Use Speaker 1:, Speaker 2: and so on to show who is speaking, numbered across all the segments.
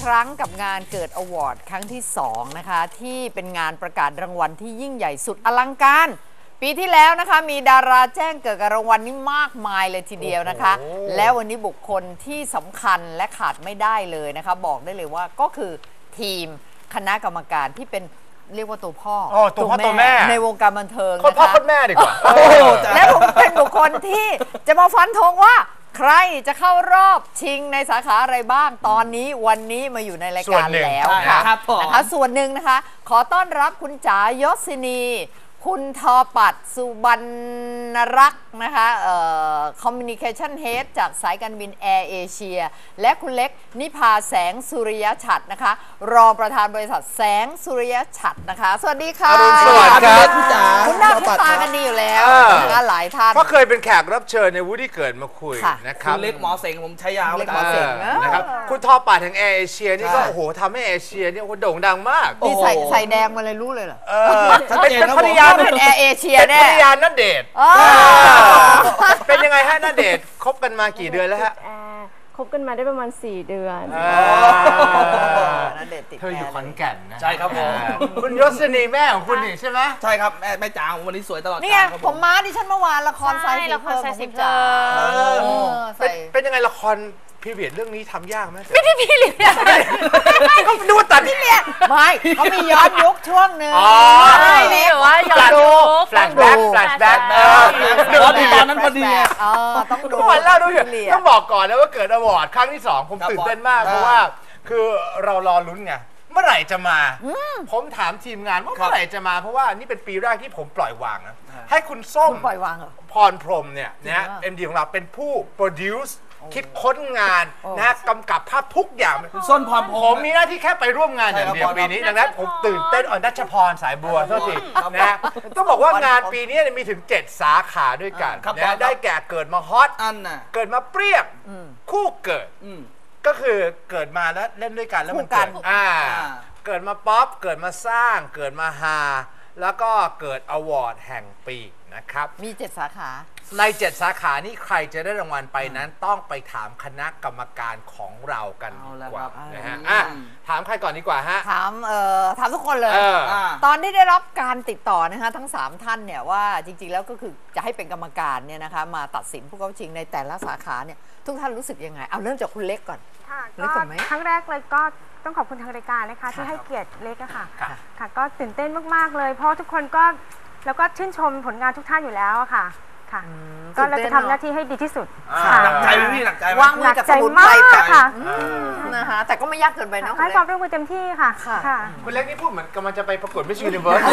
Speaker 1: รั้งกับงานเกิดอวอร์ดครั้งที่2นะคะที่เป็นงานประกาศรางวัลที่ยิ่งใหญ่สุดอลังการปีที่แล้วนะคะมีดาราแจ้งเกิดกับรางวัลนี้มากมายเลยทีเดียวนะคะแล้ววันนี้บุคคลที่สำคัญและขาดไม่ได้เลยนะคะบอกได้เลยว่าก็คือทีมคณะกรรมการที่เป็นเรียกว่าตัวพ่อตัวแม่ในวงการบันเทิงนะคะ
Speaker 2: พ่อแม่ดีกว่า
Speaker 1: และผมเป็นบุคคลที่จะมาฟันธงว่าใครจะเข้ารอบชิงในสาขาอะไรบ้างตอนนี้วันนี้มาอยู่ในรายการแล้วค่ะนะคะส่วนหนึ่งนะคะขอต้อนรับคุณจ๋ายศินีคุณทอปัดสุบรรณรักษ์นะคะCommunication Head จากสายการบินแอร์เอเชียและคุณเล็กนิพาแสงสุริยฉัตรนะคะรองประธานบริษัทแสงสุริยฉัตรนะคะสวัสดีค่ะ
Speaker 2: สวัสดีครับ
Speaker 1: คุณหน้าคุณตากันดีอยู่แล้วนะคะหลายท่าน
Speaker 2: ก็เคยเป็นแขกรับเชิญในวูดดี้เกิดมาคุยนะครับ
Speaker 3: คุณเล็กหมอเสงผมใช้ยาว
Speaker 1: เล็กหมอเสง
Speaker 2: นะครับคุณทอปัดแห่งแอร์เอเชียนี่ก็โอ้โหทำให้แอร์เอเชียนี่โด่งดังมาก
Speaker 1: นี่ใส่แดงมาเลยรู้เลยเหรอ
Speaker 2: เป็นภรรยา
Speaker 1: เป็นแอร์เอเชีย
Speaker 2: แน่ภรรยาณเดชน์เป็นยังไงฮะณเดชน์คบกันมากี่เดือนแล้วฮะ
Speaker 4: คบกันมาได้ประมาณ4 เดือน
Speaker 1: ณเดชน์ติด
Speaker 2: เธออยู่ขอนแก่นนะ
Speaker 3: ใช่ครับผม
Speaker 2: คุณยศนีแม่ของคุณนี่ใช่ไหม
Speaker 3: ใช่ครับแม่จ๋าวันนี้สวยตลอด
Speaker 1: นี่ไงผมม้าดิฉันเมื่อวานละครไซส์
Speaker 5: ละครไซส์จ๋า
Speaker 2: เป็นยังไงละครพีเรียดเรื่องนี้ทำยากไหม
Speaker 1: ไม่ได้พีเรียด
Speaker 2: เขาดูตัด
Speaker 1: พีเรียดไม่เขามีย้อนยุคช่วงหนึ่ง
Speaker 5: ใช่นี่หรือว่าย้อนยุค
Speaker 2: แฟลชแบ็ก
Speaker 3: ตอนนั้นพอดี
Speaker 1: ต้องดู
Speaker 2: วันแล้วดูต้องบอกก่อนนะว่าเกิดอวอร์ดครั้งที่2ผมตื่นเต้นมากเพราะว่าคือเรารอลุ้นไงเมื่อไหร่จะมาผมถามทีมงานว่าเมื่อไหร่จะมาเพราะว่านี่เป็นปีแรกที่ผมปล่อยวางนะให้คุณส้ม
Speaker 1: ปล่อยวาง
Speaker 2: พรพรหมเนี่ยนะMD ของเราเป็นผู้โปรดิวซ์คิดค้นงานนะกำกับภาพทุกอย่าง
Speaker 3: คุณส้นพร
Speaker 2: ผมมีหน้าที่แค่ไปร่วมงานอย่างเดียวปีนี้ดังนั้นผมตื่นเต้นนัชพรสายบัวเท่าทีนะต้องบอกว่างานปีนี้มีถึง7 สาขาด้วยกันนะได้แก่เกิดมาฮอตเกิดมาเปรี้ยงคู่เกิดก็คือเกิดมาแล้วเล่นด้วยกันแล้วมันเกิดเกิดมาป๊อปเกิดมาสร้างเกิดมาฮาแล้วก็เกิดอวอร์ดแห่งปีนะครับ
Speaker 1: มี7 สาขา
Speaker 2: ใน7 สาขานี้ใครจะได้รางวัลไปนั้นต้องไปถามคณะกรรมการของเรากันดีกว่านะฮะถามใครก่อนดีกว่าฮะ
Speaker 1: ถามทุกคนเลยตอนที่ได้รับการติดต่อนะคะทั้ง3ท่านเนี่ยว่าจริงๆแล้วก็คือจะให้เป็นกรรมการเนี่ยนะคะมาตัดสินผู้เข้าชิงในแต่ละสาขาเนี่ยทุกท่านรู้สึกยังไงเอาเริ่มจากคุณเล็กก่อน
Speaker 4: เล็กก่อนไหมครั้งแรกเลยก็ต้องขอบคุณทางรายการนะคะที่ให้เกียรติเล็กอะค่ะค่ะก็ตื่นเต้นมากๆเลยเพราะทุกคนก็แล้วก็ชื่นชมผลงานทุกท่านอยู่แล้วอะค่ะค่ะก็เราจะทำหน้าที่ให้ดีที่สุด
Speaker 3: หนักใจไหมพี่หนักใจไหม
Speaker 1: วางมือกับสมุนไพรค่ะนะคะแต่ก็ไม่ยากเกินไปนะ
Speaker 4: ให้ความร่วมมือเต็มที่ค่ะ
Speaker 2: คุณเล็กนี่พูดเหมือนกำลังจะไปประกวดมิสยูนิเวิร์ส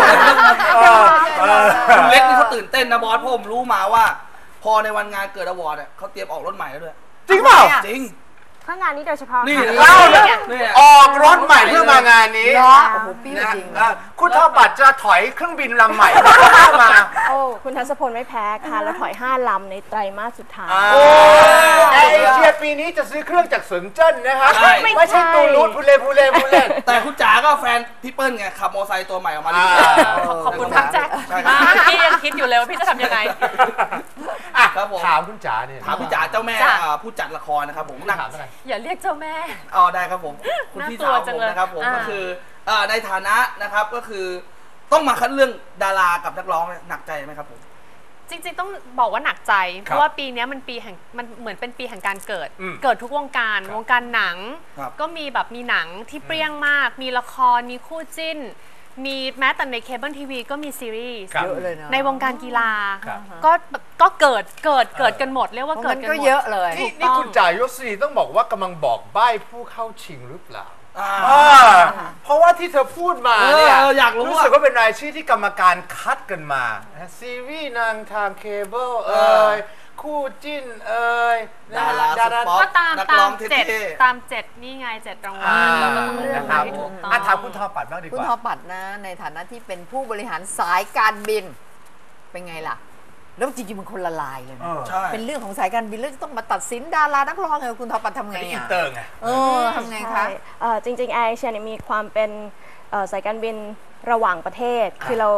Speaker 3: คุณเล็กนี่เขาตื่นเต้นนะบอสผมรู้มาว่าพอในวันงานเกิดอวอร์ดเขาเตรียมออกรถใหม่แล้วด้วย
Speaker 2: จริงเปล่า
Speaker 3: จริง
Speaker 4: เพื่องานนี้โดยเฉพาะ
Speaker 3: นี่
Speaker 2: เล่าออกรถใหม่เพื่อมางานนี้
Speaker 1: โอ้โหปีจริง
Speaker 2: คุณทอปัดจะถอยเครื่องบินลำใหม่มา
Speaker 4: โอ้คุณทัศพลไม่แพ้ค่ะแล้วถอย5 ลำในไตรมาสสุดท้าย
Speaker 2: แอร์เอเชียปีนี้จะซื้อเครื่องจากเซินเจิ้นนะครับไม่ใช่ตูรูดพูเล่
Speaker 3: แต่คุณจ๋าก็แฟนพี่เปิ้ลไงขับมอเตอร์ไซค์ตัวใหม่ออกมา
Speaker 5: ขอบคุณทักแจ็คพี่ยังคิดอยู่เลยว่าพี่จะทำยังไง
Speaker 2: ถามคุณจ๋าเนี่ย
Speaker 3: ถามพี่จ๋าเจ้าแม่ผู้จัดละครนะครับผม
Speaker 2: ถามอะไร
Speaker 5: อย่าเรียกเจ้าแม่
Speaker 3: ได้ครับผมคุณพี่สาวผมนะครับผมก็คือในฐานะนะครับก็คือต้องมาคัดเรื่องดารากับนักร้องหนักใจไหมครับผม
Speaker 5: จริงๆต้องบอกว่าหนักใจเพราะว่าปีนี้มันเหมือนเป็นปีแห่งการเกิดทุกวงการหนังก็มีแบบมีหนังที่เปรี้ยงมากมีละครมีคู่จิ้นมีแม้แต่ในเคเบิลทีวีก็มีซีรีส์ในวงการกีฬาก็เกิดกันหมดเรียกว่าเกิดกันหมด
Speaker 1: เยอะเลย
Speaker 2: นี่คุณจ่ายยศรีต้องบอกว่ากำลังบอกใบ้ผู้เข้าชิงหรือเปล่าเพราะว่าที่เธอพูดมาเนี่ยรู้สึกว่าเป็นรายชื่อที่กรรมการคัดกันมาซีรีส์นางทางเคเบิลคู่จิ้น
Speaker 3: ดารา
Speaker 5: ก็ตาม7นี่ไง7 รางวัลแล้วก็ต้องเลือกให้ถูกต้อง
Speaker 2: ถามคุณทอปัดบ้างดีกว่า
Speaker 1: คุณทอปัดนะในฐานะที่เป็นผู้บริหารสายการบินเป็นไงล่ะแล้วจริงๆมันคนละลายเลยนะเป็นเรื่องของสายการบินแล้วจะต้องมาตัดสินดารานักร้องไงคุณทอปัดทำไง
Speaker 2: อินเตอร์ไง
Speaker 1: ทำไงคะ
Speaker 4: จริงๆแอร์เอเชียมีความเป็นสายการบินระหว่างประเทศคือเรา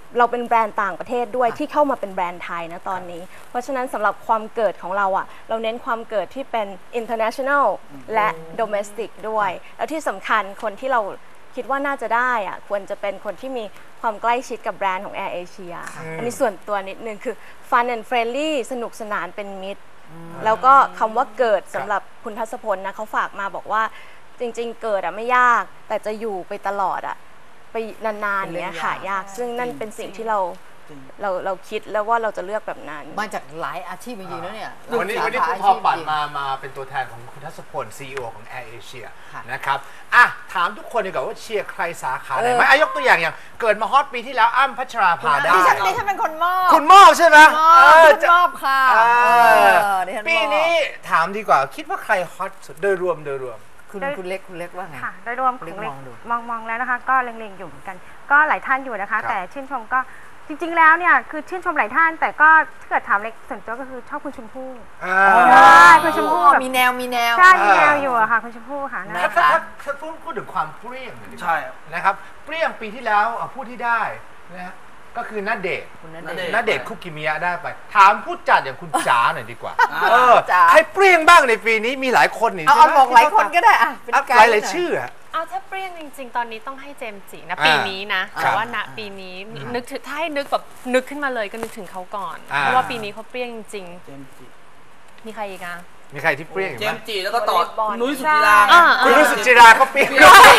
Speaker 6: เราเป็นแบรนด์ต่างประเทศด้วยที่เข้ามาเป็นแบรนด์ไทยนะตอนนี้เพราะฉะนั้นสำหรับความเกิดของเราอ่ะเราเน้นความเกิดที่เป็น international และ domestic ด้วยแล้วที่สำคัญคนที่เราคิดว่าน่าจะได้อ่ะควรจะเป็นคนที่มีความใกล้ชิดกับแบรนด์ของ Air Asia อันนี้ส่วนตัวนิดนึงคือ fun and friendly สนุกสนานเป็นมิตรแล้วก็คำว่าเกิดสำหรับคุณทัศพลนะเขาฝากมาบอกว่าจริงๆเกิดอ่ะไม่ยากแต่จะอยู่ไปตลอดอ่ะไปนานๆเนี้ยค่ะยากซึ่งนั่นเป็นสิ่งที่เราคิดแล้วว่าเราจะเลือกแบบนั้น
Speaker 1: มาจากหลายอาชีพจริงๆแล้วเนี่ย
Speaker 2: วันนี้คุณพอปัดมาเป็นตัวแทนของคุณทัศพล CEO ของ Air Asia นะครับอ่ะถามทุกคนดีกว่าว่าเชียร์ใครสาขาไหนไหมยกตัวอย่างเกิดมาฮอตปีที่แล้วอ้ำพัชราภาได้
Speaker 1: ดิฉันเป็นคนมอบ
Speaker 2: คุณมอบใช่ไหม
Speaker 1: มอบค่ะ
Speaker 2: ปีนี้ถามดีกว่าคิดว่าใครฮอตสุดโดยรวม
Speaker 1: คุณเล็กว่าไง
Speaker 4: ค่ะโดยรวมของเล็กมองแล้วนะคะก็เล็งๆอยู่เหมือนกันก็หลายท่านอยู่นะคะแต่ชื่นชมก็จริงๆแล้วเนี่ยคือชื่นชมหลายท่านแต่ก็ถ้าเกิดถามเล็กส่วนตัวก็คือชอบคุณชมพู่คุณชมพู่
Speaker 1: มีแนว
Speaker 4: ใช่มีแนวอยู่อะค่ะคุณชมพู่ค่ะ
Speaker 2: ถ้าพูดถึงความเปรี้ยงใช่นะครับเปรี้ยงปีที่แล้วผู้ที่ได้นะก็คือณเดชน์คุกิมิยะได้ไปถามผู้จัดอย่างคุณจ๋าหน่อยดีกว่าใครเปรี้ยงบ้างในปีนี้มีหลายคนนี่
Speaker 1: เอาบอกหลายคนก็ได้อะ
Speaker 2: หลายชื่อ
Speaker 5: เอาถ้าเปรี้ยงจริงๆตอนนี้ต้องให้เจมส์จินะปีนี้นะแต่ว่าณปีนี้นึกถึงถ้าให้นึกแบบนึกขึ้นมาเลยก็นึกถึงเขาก่อนเพราะว่าปีนี้เขาเปรี้ยงจริงมีใครอีกอะ
Speaker 2: มีใครที่เปรี้ยง
Speaker 3: เจมส์จิแล้วก็ต่อนุ้ยสุจิรา
Speaker 2: คุณนุ้ยสุจิราเขาเปรี้ยง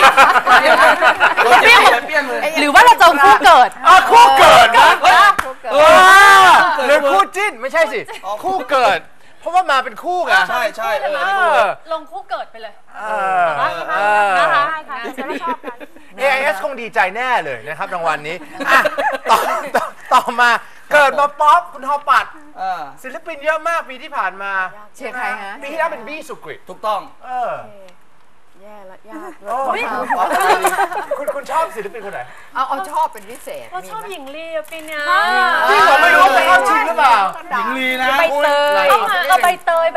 Speaker 5: หรือว่าเราจะคู่เกิด
Speaker 2: คู่เกิดนะหรือคู่จิ้นไม่ใช่สิคู่เกิดเพราะว่ามาเป็นคู่ไง
Speaker 3: ใช่
Speaker 5: ลงคู่เกิดไปเลย
Speaker 4: นะคะ
Speaker 2: AIS คงดีใจแน่เลยนะครับรางวัลนี้ต่อมาเกิดมาป๊อปคุณทอปัดศิลปินเยอะมากปีที่ผ่านมา
Speaker 1: เชียร์ใครฮะ
Speaker 2: ปีที่แล้วเป็นบี้สุกฤต
Speaker 3: ถูกต้อง
Speaker 6: แย่ละยาก
Speaker 2: คุณชอบศิลปินคนไหน
Speaker 1: เอาชอบเป็นพิเศษ
Speaker 5: เราชอบหญิงลีปีนี้
Speaker 2: พี่ผมไม่รู้ว่าเข้าชิงหรือเปล่า
Speaker 3: หญิงลีนะ
Speaker 5: ใบเตยใบเตย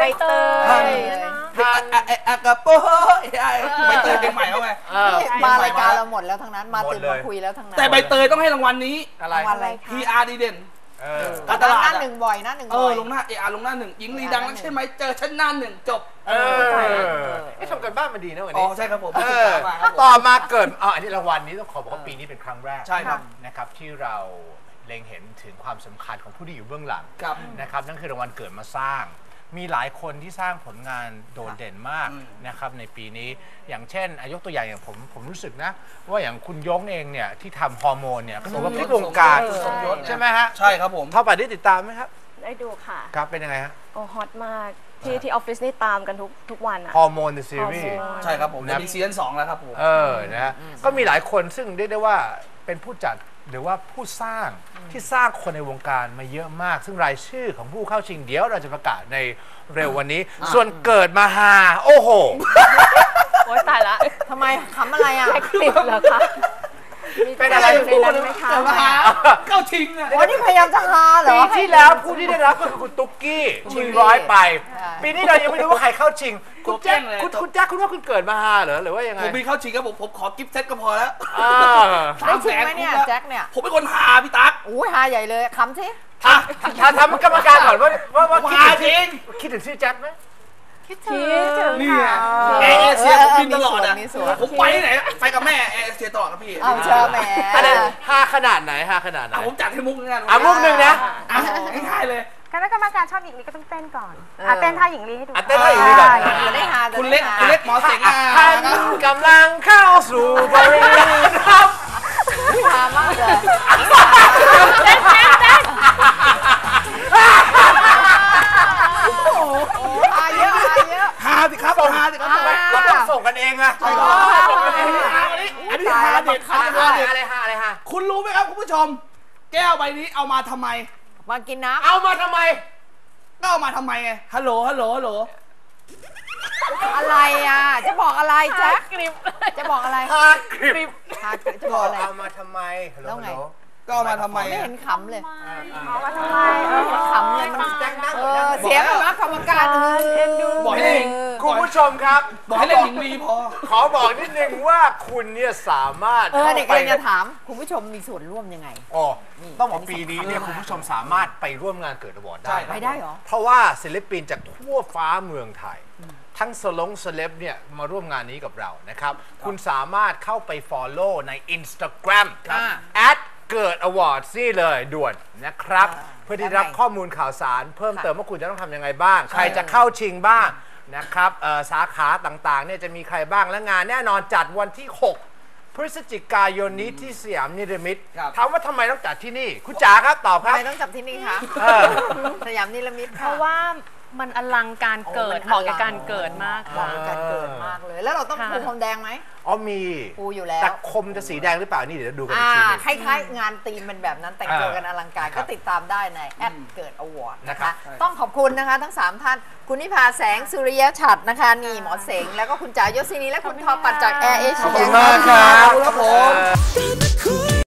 Speaker 3: กระโปใบเตยเป็นใหม่เข้าไป
Speaker 1: มารายการเราหมดแล้วทั้งนั้นมาตื่นมาคุยแล้วทั้งนั้น
Speaker 3: แต่ใบเตยต้องให้รางวัลนี้
Speaker 1: อะไร
Speaker 3: PR ดีเด่น
Speaker 1: การตลาดหนึ่งบ่อยนะ
Speaker 3: ลงหน้าลงหน้าหนึ่งหญิงลีดังนักใช่ไหมเจอชั้นหน้าหนึ่งจบ
Speaker 2: ทำกันบ้านมาดีนะวัน
Speaker 3: นี้ใช่ครับผม
Speaker 2: ต่อมาเกิดอันนี้รางวัลนี้ต้องขอบอกว่าปีนี้เป็นครั้งแรก
Speaker 3: ใช่ครับ
Speaker 2: นะครับที่เราเล็งเห็นถึงความสำคัญของผู้ที่อยู่เบื้องหลังนะครับนั่นคือรางวัลเกิดมาสร้างมีหลายคนที่สร้างผลงานโดดเด่นมากนะครับในปีนี้อย่างเช่นยกตัวอย่างผมรู้สึกนะว่าอย่างคุณยงเองเนี่ยที่ทำฮอร์โมนเนี่ยก็ถือว่าพลิกวงการใช่ไหมฮะ
Speaker 3: ใช่ครับผม
Speaker 2: เท่าป่ะได้ติดตามไหมครับ
Speaker 6: ได้ดูค่ะ
Speaker 2: ครับเป็นยังไงฮะ
Speaker 6: โอ้ฮอตมากที่ออฟฟิศนี่ตามกันทุกวันอะ
Speaker 2: ฮอร์โมนในซีรีส์
Speaker 3: ใช่ครับผมมีซีซั่น2แล้วครับผม
Speaker 2: นะฮะก็มีหลายคนซึ่งเรียกได้ว่าเป็นผู้จัดหรือว่าผู้สร้างที่สร้างคนในวงการมาเยอะมากซึ่งรายชื่อของผู้เข้าชิงเดี๋ยวเราจะประกาศในเร็ววันนี้ส่วนเกิดมาฮาโอ้โห
Speaker 5: โอ๊ยตายละ
Speaker 1: ทำไมขำอะไรอ่ะ
Speaker 6: ติดเหรอคะ
Speaker 2: เป็นอะไร
Speaker 6: ในนั้นไหมคะ
Speaker 3: เข้าชิงอ่ะ
Speaker 1: วันนี้พยายามจะฮาเหรอ
Speaker 2: ปีที่แล้วผู้ที่ได้รับก็คือคุณตุ๊กกี้ชิง100ไปปีนี้เรายังไม่รู้ว่าใครเข้าชิงคุณแจ๊คคุณว่าคุณเกิดมาฮาเหรอหรือว่ายังไง
Speaker 3: ผมมีเข้าชิงครับผมขอกิฟต์เซตก็พอแล้ว
Speaker 1: ได้ชิงไหมเนี่ยแจ็คเนี่ย
Speaker 3: ผมเป็นคนฮาพี่ตั๊ก
Speaker 1: โอ้ยฮาใหญ่เลยคำสิ
Speaker 2: ทำกรรมการก่อนว่าคิดถึงชื่อแจ็คไหม
Speaker 1: คิดถึง
Speaker 3: นี่เอเชียผมบินตลอดอ่ะผมไปไหนไปกับแม่เอเชียตลอดครับพี่
Speaker 1: เอาเชิญแม่
Speaker 2: ฮาขนาดไหน
Speaker 3: ผมจัดให้มุกนึงนะ
Speaker 2: มุกนึงนะ
Speaker 3: ง่ายเลย
Speaker 4: คณะกรรมการชอบหญิงลีก็ต้องเต้นก่อนเต้นท่าหญิงลีให้ดู
Speaker 2: เต้นท่าหญิงลีก่อน
Speaker 1: ได้ฮา
Speaker 3: คุณเล็กหมอเสง
Speaker 2: ท่านกำลังเข้าสู่บริเวณครับ
Speaker 1: ฮามากเลย
Speaker 5: เต้น
Speaker 2: ฮาสิครับเราต้องส่งกันเองอะ
Speaker 3: ใช่ครับอันนี้ฮาเด็ด
Speaker 2: อะไรฮะ
Speaker 3: คุณรู้ไหมครับคุณผู้ชมแก้วใบนี้เอามาทำไม
Speaker 1: มากินน้ำ
Speaker 2: เอามาทำไม
Speaker 3: ก็เอามาทำไมไงฮัลโหล
Speaker 1: อะไรอ่ะจะบอกอะไรแจ็คกริบจะบอกอะไร
Speaker 2: ฮากริบ
Speaker 1: จะบอกอะไร
Speaker 2: เอามาทำไม
Speaker 1: แล้วไง
Speaker 3: ก็เอามาทำไม
Speaker 1: ไม่เห็นขำเลย
Speaker 4: เอามาทำไม
Speaker 1: ขำเลยมันเสียงแบบกรรมการ
Speaker 3: บอกให้
Speaker 2: คุณผู้ผู้ชมครับ
Speaker 3: บอกให้เล่นหญิงลีพอ
Speaker 2: ขอบอกนิดนึงว่าคุณเนี่ยสามารถ
Speaker 1: เด็กๆจะถามคุณผู้ชมมีส่วนร่วมยังไง
Speaker 2: อ๋อต้องบอกปีนี้เนี่ยคุณผู้ชมสามารถไปร่วมงานเกิดอวอร์ดได้
Speaker 1: ไปได้เหรอ
Speaker 2: เพราะว่าศิลปินจากทั่วฟ้าเมืองไทยทั้งเซเลบเนี่ยมาร่วมงานนี้กับเรานะครับคุณสามารถเข้าไป follow ใน Instagram เกิด Awards นี่เลยด่วนนะครับเพื่อที่รับข้อมูลข่าวสารเพิ่มเติมว่าคุณจะต้องทำยังไงบ้างใครจะเข้าชิงบ้างนะครับสาขาต่างๆเนี่ยจะมีใครบ้างและงานแน่นอนจัดวันที่ 6 พฤศจิกายนนี้ที่สยามนิรมิตถามว่าทำไมต้องจัดที่นี่คุณจ๋าครับตอบครับ
Speaker 1: ทำไมต้องจัดที่นี่คะสยามนิรมิต
Speaker 5: เพราะว่ามันอลังการเกิดเหมาะกับการเกิดมาก
Speaker 1: เหมาะกับการเกิดมากเลยแล้วเราต้องปูพรมแดงไหม
Speaker 2: อ๋อมี
Speaker 1: ปูอยู่แล้ว
Speaker 2: แต่คมจะสีแดงหรือเปล่านี่เดี๋ยวดูกันอีกทีนึง
Speaker 1: คล้ายๆงานธีมเป็นแบบนั้นแต่งตัวกันอลังการก็ติดตามได้ในเกิดอวอร์ดนะคะต้องขอบคุณนะคะทั้ง3ท่านคุณนิพาแสงสุริยฉัตรนะคะนี่หมอเสงแล้วก็คุณจ๋ายศินีและคุณทอปัดจากแอร์เอเชีย
Speaker 2: ขอบคุณมากครับ